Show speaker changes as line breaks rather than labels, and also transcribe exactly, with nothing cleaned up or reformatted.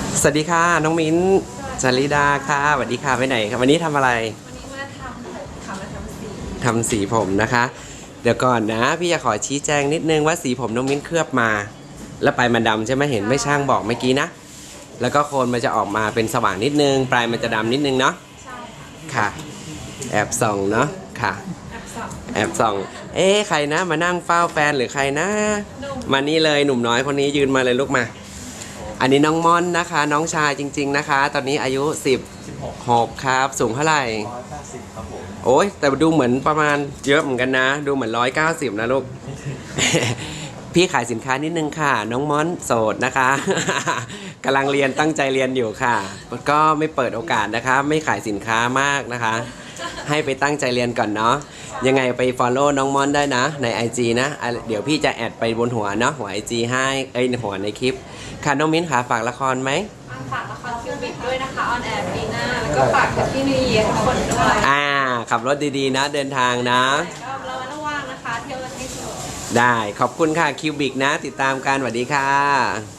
สวัสดีค่ะน้องมิ้นจาริดาค่ะสวัสดีค่ะไปไหนครับวันนี้ทำอะไร
วันนี้มาทำผมค่ะมาทำสี
ทำสีผมนะคะเดี๋ยวก่อนนะพี่จะขอชี้แจงนิดนึงว่าสีผมน้องมิ้นเคลือบมา แล้วปลายมันดำใช่ไหมเห็นไม่ช่างบอกเมื่อกี้นะแล้วก็โคนมันจะออกมาเป็นสว่างนิดนึงปลายมันจะดำนิดนึงเนาะ
ใช่
ค่ะแอบส่องเนาะค่ะ
แอบสับ
แอบส่องเอ๊ะใครนะมานั่งเฝ้าแฟนหรือใครนะมานี่เลยหนุ่มน้อยคนนี้ยืนมาเลยลูกมาอันนี้น้องม่อนนะคะน้องชายจริงๆนะคะตอนนี้อายุสิบหกครับสูงเท่าไหร่
ร้อยแปดสิบครับผม
โอ้ยแต่ดูเหมือนประมาณเยอะเหมือนกันนะดูเหมือนร้อยเก้าสิบนะลูก พี่ขายสินค้านิดนึงค่ะน้องม่อนโสดนะคะ กำลังเรียนตั้งใจเรียนอยู่ค่ะก็ไม่เปิดโอกาสนะคะไม่ขายสินค้ามากนะคะ ให้ไปตั้งใจเรียนก่อนเนาะยังไงไป follow น้องม่อนได้นะใน ไอ จี นะเดี๋ยวพี่จะแอดไปบนหัวเนาะหัว ไอ จี ให้เอ้ยหัวในคลิปค่ะน้องมิ้นค่ะฝากละครไหม
ฝากละครคิวบิกด้วยนะคะออนแอร์ปีหน้าแล้วก็ฝากกับพี่นิวเยียร์ทุกคนด้วย
อ่าขับรถดีๆนะเดินทางนะ
ก็เราระว่างนะคะเที่ยวกันให้สนุก
ได้ขอบคุณค่ะคิวบิกนะติดตามกันสวัสดีค่ะ